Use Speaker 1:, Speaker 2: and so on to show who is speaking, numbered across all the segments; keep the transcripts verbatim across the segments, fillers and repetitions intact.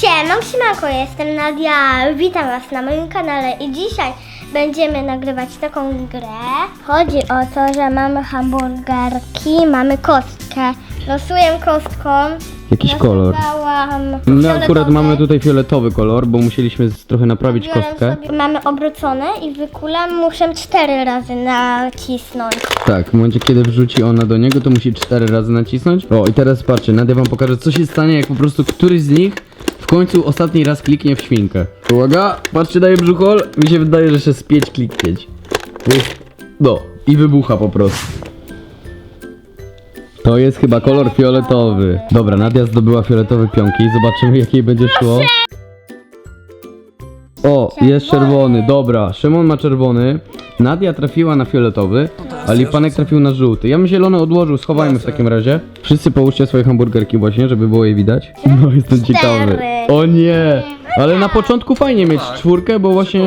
Speaker 1: Siema, siemanko, jestem Nadia, witam was na moim kanale i dzisiaj będziemy nagrywać taką grę. Chodzi o to, że mamy hamburgerki, mamy kostkę. Losuję kostką.
Speaker 2: Jakiś kolor. No akurat mamy tutaj fioletowy kolor, bo musieliśmy z- trochę naprawić
Speaker 1: Biorę
Speaker 2: kostkę.
Speaker 1: sobie, mamy obrócone i wykulam, muszę cztery razy nacisnąć.
Speaker 2: Tak, w momencie kiedy wrzuci ona do niego, to musi cztery razy nacisnąć. O i teraz patrzcie, Nadia wam pokaże, co się stanie, jak po prostu któryś z nich w końcu ostatni raz kliknie w świnkę. Uwaga, patrzcie, daje brzuchol. Mi się wydaje, że jeszcze z pięć kliknięć. No i wybucha po prostu. To jest chyba kolor fioletowy. Dobra, Nadia zdobyła fioletowe pionki. Zobaczymy, jak jej będzie szło. O, jest czerwony, dobra. Szymon ma czerwony. Nadia trafiła na fioletowy, a Lipanek trafił na żółty. Ja bym zielony odłożył, schowajmy w takim razie. Wszyscy połóżcie swoje hamburgerki właśnie, żeby było je widać. No, jestem ciekawy. O nie! Ale na początku fajnie mieć czwórkę, bo właśnie...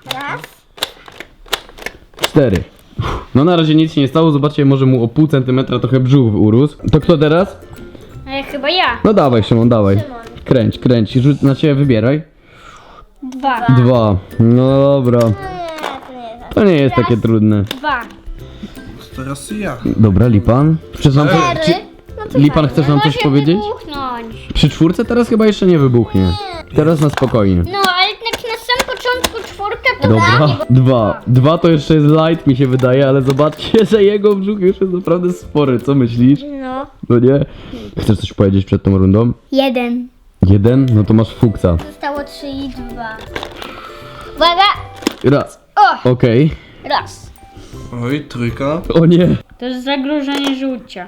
Speaker 2: Cztery. No na razie nic się nie stało, zobaczcie, może mu o pół centymetra trochę brzuch urósł. To kto teraz?
Speaker 3: E, chyba ja.
Speaker 2: No dawaj Szymon, dawaj. Kręć, kręć, rzuć na ciebie, wybieraj.
Speaker 3: Dwa.
Speaker 2: Dwa. No dobra.
Speaker 1: Nie, to nie jest.
Speaker 2: To nie jest takie trudne.
Speaker 3: Dwa.
Speaker 4: Teraz ja.
Speaker 2: Dobra, Lipan. Chcesz nam,
Speaker 1: Cztery.
Speaker 2: czy,
Speaker 1: No to
Speaker 2: Lipan,
Speaker 1: fajnie.
Speaker 2: chcesz nam coś
Speaker 3: Może
Speaker 2: powiedzieć?
Speaker 3: wybuchnąć.
Speaker 2: Przy czwórce teraz chyba jeszcze nie wybuchnie. Teraz na spokojnie.
Speaker 3: No, ale jak na samym początku czwórka to
Speaker 2: Dobra, dwa. Dwa to jeszcze jest light, mi się wydaje, ale zobaczcie, że jego brzuch już jest naprawdę spory. Co myślisz?
Speaker 1: No.
Speaker 2: No nie? Chcesz coś powiedzieć przed tą rundą?
Speaker 3: jeden.
Speaker 2: Jeden? No to masz fuksa.
Speaker 1: Zostało trzy i dwa.
Speaker 3: Uwaga.
Speaker 2: Raz.
Speaker 3: O,
Speaker 2: Okej.
Speaker 3: raz.
Speaker 4: Oj, trójka.
Speaker 2: O nie.
Speaker 3: To jest zagrożenie żółcia.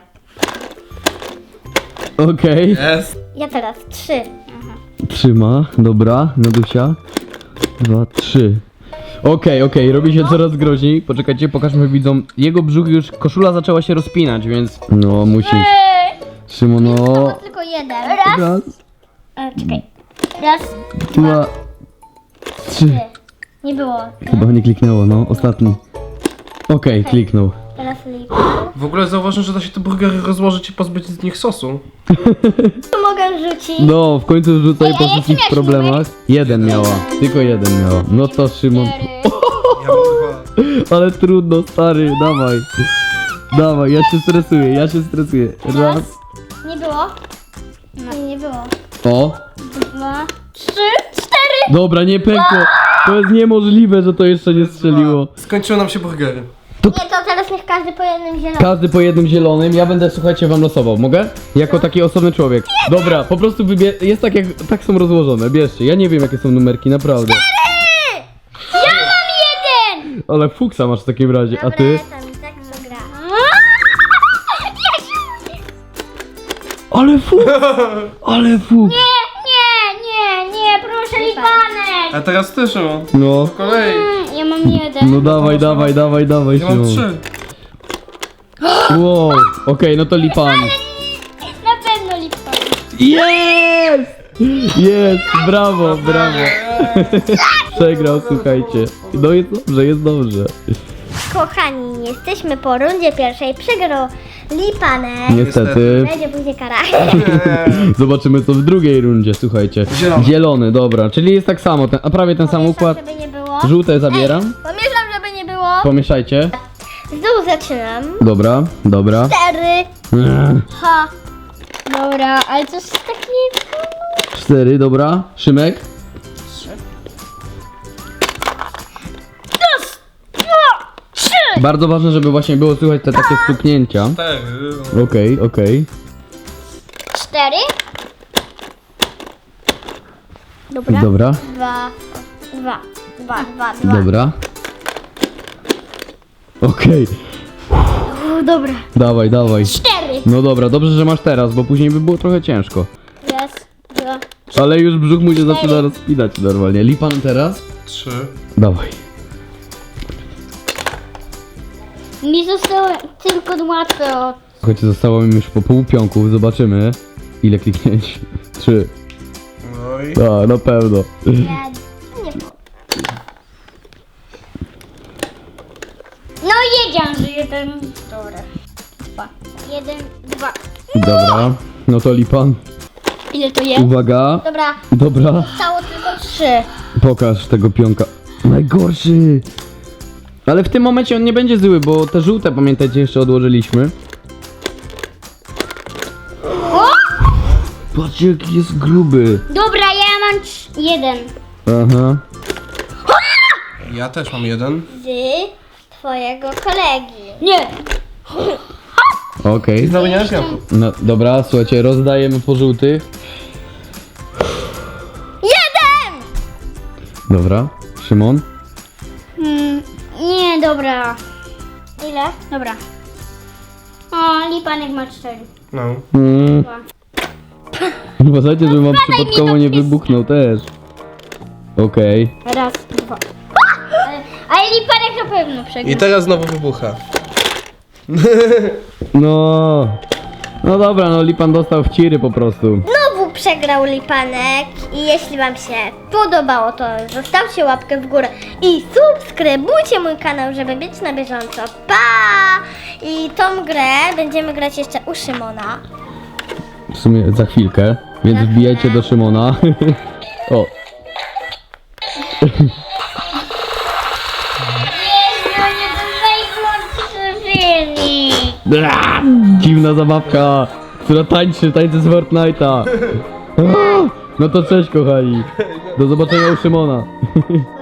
Speaker 2: Okej.
Speaker 4: Jest.
Speaker 1: Ja teraz trzy.
Speaker 2: Trzyma. Dobra. Nadusia. Dwa, trzy. Okej, okej. Robi się coraz groźniej. Poczekajcie, pokażmy widzom. Jego brzuch już, koszula zaczęła się rozpinać, więc... No, musisz. Szymon, no.
Speaker 1: To tylko jeden.
Speaker 2: Raz,
Speaker 3: E, czekaj.
Speaker 1: Raz,
Speaker 2: dwa, trzy.
Speaker 1: nie było.
Speaker 2: Chyba nie kliknęło, no. Ostatni. Okej, kliknął.
Speaker 1: Teraz liczę.
Speaker 4: W ogóle zauważyłem, że da się te burgery rozłożyć i pozbyć z nich sosu.
Speaker 1: Tu mogę rzucić.
Speaker 2: No, w końcu rzucaj
Speaker 3: Ej, a
Speaker 2: po
Speaker 3: jaki
Speaker 2: wszystkich
Speaker 3: miałeś
Speaker 2: problemach. Jeden miała, tylko jeden miała. No to Szymon.
Speaker 4: Ja mam dwa.
Speaker 2: Ale trudno, stary, dawaj. Dawaj, ja się stresuję, ja się stresuję. Raz.
Speaker 1: Nie było? Nie, nie było.
Speaker 2: O.
Speaker 1: Dwa.
Speaker 3: Trzy, cztery.
Speaker 2: Dobra, nie pękło. To jest niemożliwe, że to jeszcze nie strzeliło.
Speaker 4: Skończyły nam się burgery.
Speaker 1: Nie, to teraz niech każdy po jednym zielonym.
Speaker 2: Każdy po jednym zielonym, ja będę, słuchajcie, wam losował. Mogę? Jako taki osobny człowiek. Dobra, po prostu wybie... Jest tak jak, tak są rozłożone, bierzcie. Ja nie wiem jakie są numerki, naprawdę.
Speaker 3: Ja mam jeden.
Speaker 2: Ale fuksa masz w takim razie, a ty?
Speaker 1: Dobra, tam tak to gra.
Speaker 2: Ale fuks! Ale fuks!
Speaker 3: Nie, nie, nie, proszę Lipanek.
Speaker 4: A teraz ty, Szymon.
Speaker 2: No.
Speaker 4: Po kolei.
Speaker 3: Mm, Ja mam jeden.
Speaker 2: No dawaj, dawaj, dawaj, dawaj,
Speaker 4: Ja mam
Speaker 2: Szymon.
Speaker 4: trzy.
Speaker 2: Wow, okej, no to Lipan.
Speaker 3: Na pewno Lipanek.
Speaker 2: Jest! Jest, brawo, brawo. Przegrał, słuchajcie. No jest dobrze, jest dobrze.
Speaker 1: Kochani, jesteśmy po rundzie pierwszej. Przegrał Lipanek.
Speaker 2: Niestety.
Speaker 1: Będzie później kara.
Speaker 2: Zobaczymy co w drugiej rundzie, słuchajcie.
Speaker 4: Zielony.
Speaker 2: Zielony, dobra, czyli jest tak samo, ten, a prawie ten sam układ.
Speaker 1: Żeby nie było.
Speaker 2: Żółte zabieram.
Speaker 1: Pomieszam, żeby nie było.
Speaker 2: Pomieszajcie.
Speaker 1: Znów zaczynam.
Speaker 2: Dobra, dobra.
Speaker 1: Cztery.
Speaker 2: Ech,
Speaker 1: Ha.
Speaker 3: Dobra, ale to jest taki...
Speaker 2: Cztery, dobra. Szymek. Bardzo ważne, żeby właśnie było słychać te takie stuknięcia.
Speaker 4: Cztery.
Speaker 2: Okej, okej.
Speaker 1: Cztery. Dobra.
Speaker 2: Dobra,
Speaker 1: Dwa. Dwa. Dwa, dwa, dwa.
Speaker 2: dobra. Okej,
Speaker 1: U, dobra.
Speaker 2: dawaj, dawaj.
Speaker 1: Cztery.
Speaker 2: No dobra, dobrze, że masz teraz, bo później by było trochę ciężko.
Speaker 1: Raz, dwa.
Speaker 2: Ale już brzuch mu się zaczyna rozpinać normalnie. Lipan teraz?
Speaker 4: Trzy.
Speaker 2: Dawaj.
Speaker 3: Mi zostało tylko łatwe od...
Speaker 2: Słuchajcie, zostało mi już po pół pionków, zobaczymy ile kliknięć. Trzy.
Speaker 4: Oj.
Speaker 2: A, na pewno.
Speaker 1: Nie było.
Speaker 3: No wiedziałam, że jeden... Dobra. Dwa. Jeden, dwa.
Speaker 2: Dobra, no to Lipan.
Speaker 3: Ile to jest?
Speaker 2: Uwaga.
Speaker 1: Dobra,
Speaker 2: Dobra.
Speaker 1: zostało tylko trzy.
Speaker 2: Pokaż tego pionka. Najgorszy. Ale w tym momencie on nie będzie zły, bo te żółte, pamiętajcie, jeszcze odłożyliśmy. Patrzcie, jaki jest gruby.
Speaker 3: Dobra, ja mam trz- jeden.
Speaker 2: Aha.
Speaker 4: Ja też mam jeden.
Speaker 1: Z twojego kolegi.
Speaker 3: Nie.
Speaker 2: Okej.
Speaker 4: Znowu nie mam pionków.
Speaker 2: No dobra, słuchajcie, rozdajemy po żółtych.
Speaker 1: Jeden!
Speaker 2: Dobra. Szymon?
Speaker 3: Mm, nie, dobra.
Speaker 1: Ile?
Speaker 3: Dobra. O, Lipanek ma cztery.
Speaker 4: No.
Speaker 2: Mm.
Speaker 3: Dwa.
Speaker 2: Uważajcie, że mam przypadkowo nie wybuchnął też. Okej.
Speaker 3: Raz, dwa. Ale, ale Lipanek na pewno przegra.
Speaker 4: I teraz znowu wybucha.
Speaker 2: No. No dobra, no Lipan dostał w ciry po prostu.
Speaker 1: Znowu przegrał Lipanek i jeśli wam się podobało, to zostawcie łapkę w górę i subskrybujcie mój kanał, żeby być na bieżąco. Pa! I tą grę będziemy grać jeszcze u Szymona.
Speaker 2: W sumie za chwilkę, więc
Speaker 1: Za
Speaker 2: wbijajcie
Speaker 1: chwilę.
Speaker 2: do Szymona. O.
Speaker 3: No nie, to najgorszy
Speaker 2: Bla! Dziwna zabawka, która tańczy, tańczy z Fortnite'a. No to cześć kochani. Do zobaczenia u Szymona.